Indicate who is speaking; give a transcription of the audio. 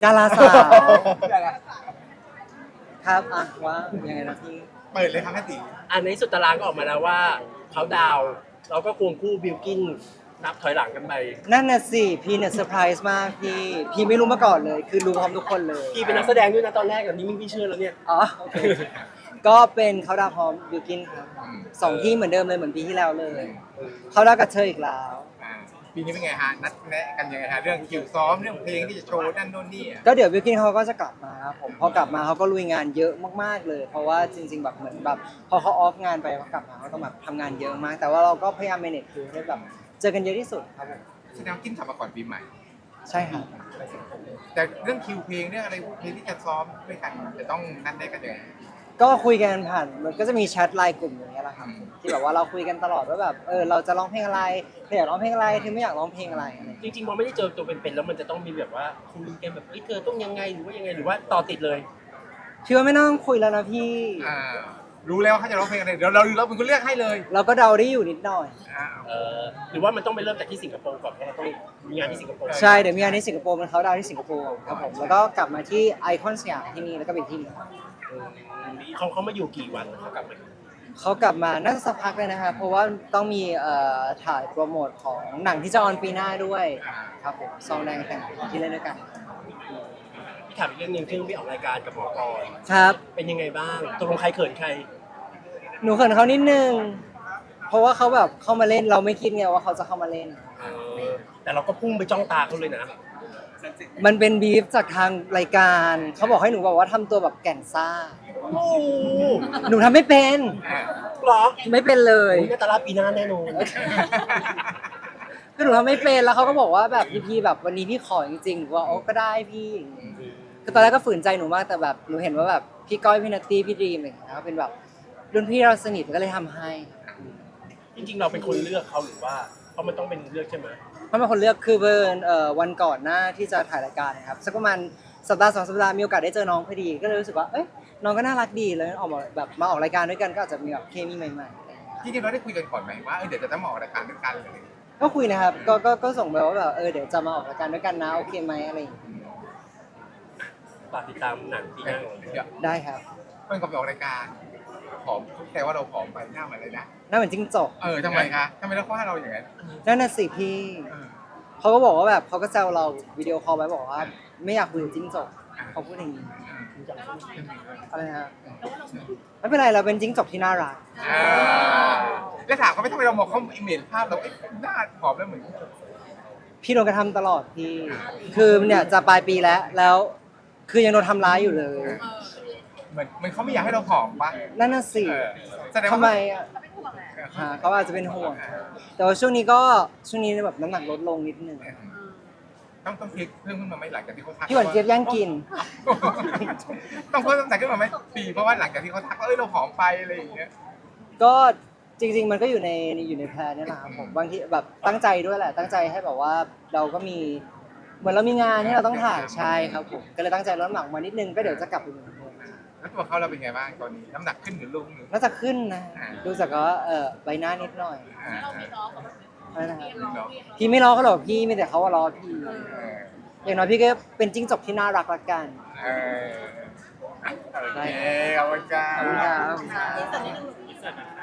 Speaker 1: ดาราสาวครับอ่ะว่ายังไงนะพี่
Speaker 2: เปิดเลยครับแม่ตี
Speaker 3: อันนี้สุดตารางก็ออกมาแล้วว่าเขาดาวน์เราก็ควงคู่บิลกินนับถอยหลังกันไป
Speaker 1: นั่นน่ะสิพี่เนี่ยเซอร์ไพรส์มากพี่ไม่รู้มาก่อนเลยคือรู้พร้อมทุกคนเลย
Speaker 3: พี่เป็นนักแสดงด้วยนะตอนแรกแบบนี้พี่เชื่อแล้วเนี่ย
Speaker 1: อ๋อโอเคก็เป็นเขาดาวพร้อมบิวกินครับสองที่เหมือนเดิมเลยเหมือนปีที่แล้วเลยเขาดาวกับเธออีกแล้ว
Speaker 2: ปีนี้เป็นไงฮะนัดแนะกันยังไงฮะเรื่องคิวซ้อมเรื่องเพลงที่จะโชว์นั่นโน่นนี่
Speaker 1: ก็เดี๋ยวบิวกินเขาก็จะกลับมาครับผมพอกลับมาเขาก็ลุยงานเยอะมากๆเลยเพราะว่าจริงๆแบบเหมือนแบบพอเขาออฟงานไปเขากลับมาเขาต้องแบบทำงานเยอะมากแต่ว่าเราก็พยายาม manage คือให้แบบเจอกันเยอะที่สุดครับผม
Speaker 2: แสดงว่ากินขับมาก่อนปีใหม่
Speaker 1: ใช่ครับ
Speaker 2: แต่เรื่องคิวเพลงเรื่องอะไรเพลงที่จะซ้อมด้วยกันจะต้องนัดแนะกันยังไง
Speaker 1: ก็คุยกันผ่านมันก็จะมีแชทไลน์กลุ่มอย่างเงี้ยแหละครับที่แบบว่าเราคุยกันตลอดว่าแบบเราจะร้องเพลงอะไรเธออยากร้องเพลงอะไรเธอไม่อยากร้องเพลงอะไรอะไรอย่าง
Speaker 3: จ
Speaker 1: เงี้ย
Speaker 3: ริงๆพอไม่ได้เจอตัวเป็นๆแล้วมันจะต้องมีแบบว่าคุยกันแบบเธอต้องยังไงหรือว่ายังไงหรือว่าต่อติดเลย
Speaker 1: พี่ว่าไม่ต้องคุยแล้วนะพี่
Speaker 2: อ่ารู้แล้วว่าเขาจะร้องเพลงอะไรเดี๋ยวเราเป็นคนเลือกให้เลย
Speaker 1: เราก็เดาได้อยู่นิดหน่อย
Speaker 2: อ่า
Speaker 3: หรือว่ามันต้องไปเริ่มจากที่สิงคโปร์ก่อนเพราะเราต้องมีงานที่สิงคโปร์
Speaker 1: ใช่เดี๋ยวมีงานที่สิงคโปร์มันเขาดาวน์ที่สิงคโปร์ครับผมแล้วก็กลับมาที่ไอคอนสยามที่นี่แล้วก็ไปที่นี่
Speaker 3: เขามาอยู่กี่วันเขากลับมา
Speaker 1: เขากลับมาน่าจะสักพักเลยนะคะเพราะว่าต้องมีถ่ายโปรโมทของหนังที่จะออนปีหน้าด้วยครับผมซองแดงแต่งที่เล่นด้วยกัน
Speaker 3: พี่ถามอีกเรื่องหนึงที่พี่ออกรายการกับหมอกร
Speaker 1: ครับ
Speaker 3: เป็นยังไงบ้างตกลงใครเขินใคร
Speaker 1: หนูเขินเขานิดนึงเพราะว่าเขาแบบเข้ามาเล่นเราไม่คิดไงว่าเขาจะเข้ามาเล่น
Speaker 3: แต่เราก็พุ่งไปจ้องตาเขาเลยนะ
Speaker 1: มันเป็นบีฟจากทางรายการเขาบอกให้หนูแบบว่าทำตัวแบบแก่นซ่า
Speaker 3: โอ้โห
Speaker 1: หนูทำไม่เป็น
Speaker 3: เหรอ
Speaker 1: ไม่เป็นเลย
Speaker 3: โอ้ยนาตาลาปีหน้าแน่นอน
Speaker 1: คือหนูทำไม่เป็นแล้วเขาก็บอกว่าแบบพี่แบบวันนี้พี่ขอจริงๆหนูว่าโอ้ก็ได้พี่คือตอนแรกก็ฝืนใจหนูมากแต่แบบหนูเห็นว่าแบบพี่ก้อยพี่นัตตี้พี่ดรีมอะไรอย่างเงี้ยเป็นแบบรุ่นพี่เราสนิทก็เลยทำให้
Speaker 3: จริงๆเราเป็นคนเลือกเขาหรือว่าเพราะมันต้องเป็นเลือกใช่ไหม
Speaker 1: เพราะเป็นคนเลือกคือเบิร์นวันก่อนหน้าที่จะถ่ายรายการนะครับสักประมาณสัปดาห์2 สัปดาห์มีโอกาสได้เจอน้องพอดีก็เลยรู้สึกว่าเอ้ยน้องก็น่ารักดีเลยออกมาแบบมาออกรายการด้วยกันก็อาจจะมีแบบเคมีใหม่ๆอะไรอย่างเงี้ย
Speaker 2: จริงๆเราได้คุยกันก่อนไหมว่าเดี๋ยวจะต้องมาออกรายการด้วยกันเลย
Speaker 1: ก็คุยนะครับก็ส่งไปว่าแบบเดี๋ยวจะมาออกรายการด้วยกันนะโอเคไหมอะไรอย่างเงี้ย
Speaker 3: ฝากติดตามหนังปีหน้า
Speaker 2: เดี๋ยว
Speaker 1: ได้ครับ
Speaker 2: เพื่อนก็ไปออกรายการผอมแต่ว่าเราผอมไปหน้าเหมือนเลยนะ
Speaker 1: น่าเหมือนจิ้งจก
Speaker 2: ทำไมคะทำไมเราว่าเราอย่างนั้น
Speaker 1: นั่นน่ะสิพี่
Speaker 2: เออ
Speaker 1: เขาก็บอกว่าแบบเขาก็แซวเราวิดีโอคอลไว้บอกว่าไม่อยากคุยกับจิ้งจกเขาพูดอย่างนี้อะไรนะไม่เป็นไรเราเป็นจิ้งจกที่น่ารัก
Speaker 2: แล้วถามเขาไม่ทำไมเรามองเขาอิมเมจภาพเราหน้าผอมแล้วเหมือน
Speaker 1: พี่โดนกระทำตลอดพี่คือเนี่ยจะปลายปีแล้วคือยังโดนทำร้ายอยู่เลย
Speaker 2: เหมือนเขาไม่อยากให้เราผอมปะ
Speaker 1: นั่นน่ะสิ
Speaker 2: แสดง
Speaker 1: ทำ
Speaker 2: ว่า
Speaker 1: ไมอ่ะเขาอาจจะเป็นห่วงแต่ว่าช่วงนี้แบบน้ำหนักลดลงนิดนึง
Speaker 2: ต้องพลิกเพิ่มขึ้นมาไหมหลังจากที่เขาทัก
Speaker 1: พี่หวานเจี๊ยบย่างกิน
Speaker 2: ต้องเพิ่มน้ำหนักขึ้นมาไหมปีเพราะว่าหลังจากที่เขาทักว่าเราผอมไปอะไรอย่างเงี้ย
Speaker 1: ก็จริงๆมันก็อยู่ในแพลนนี่แหละครับผมบางทีแบบตั้งใจด้วยแหละตั้งใจให้แบบว่าเราก็มีเหมือนเรามีงานที่เราต้องถ่ายใช่ครับผมก็เลยตั้งใจลดน้ำหนักมานิดนึงก็เดี๋ยวจะกลับไปเหมือนเดิม
Speaker 2: แล้วตัวเขาเราเป็นไงบ้างตอนนี้น้ำหนักขึ้นหรือลงหรือ
Speaker 1: น่าจะขึ้นนะดูจากก็ใบหน้านิดหน่อย
Speaker 4: เราไม่ล้อกับ
Speaker 1: อะไรนะครับ
Speaker 2: เนาะ
Speaker 1: พี่ไม่ล้อเขาหรอกพี่มีแต่เขาว่ารอพี่อย่างน้อยพี่ก็เป็นจิ้งจกที่น่ารักละกัน
Speaker 2: เออโอเคขอบคุณครั
Speaker 1: ขอบคุณครับ
Speaker 2: บ
Speaker 4: ที่สุดใน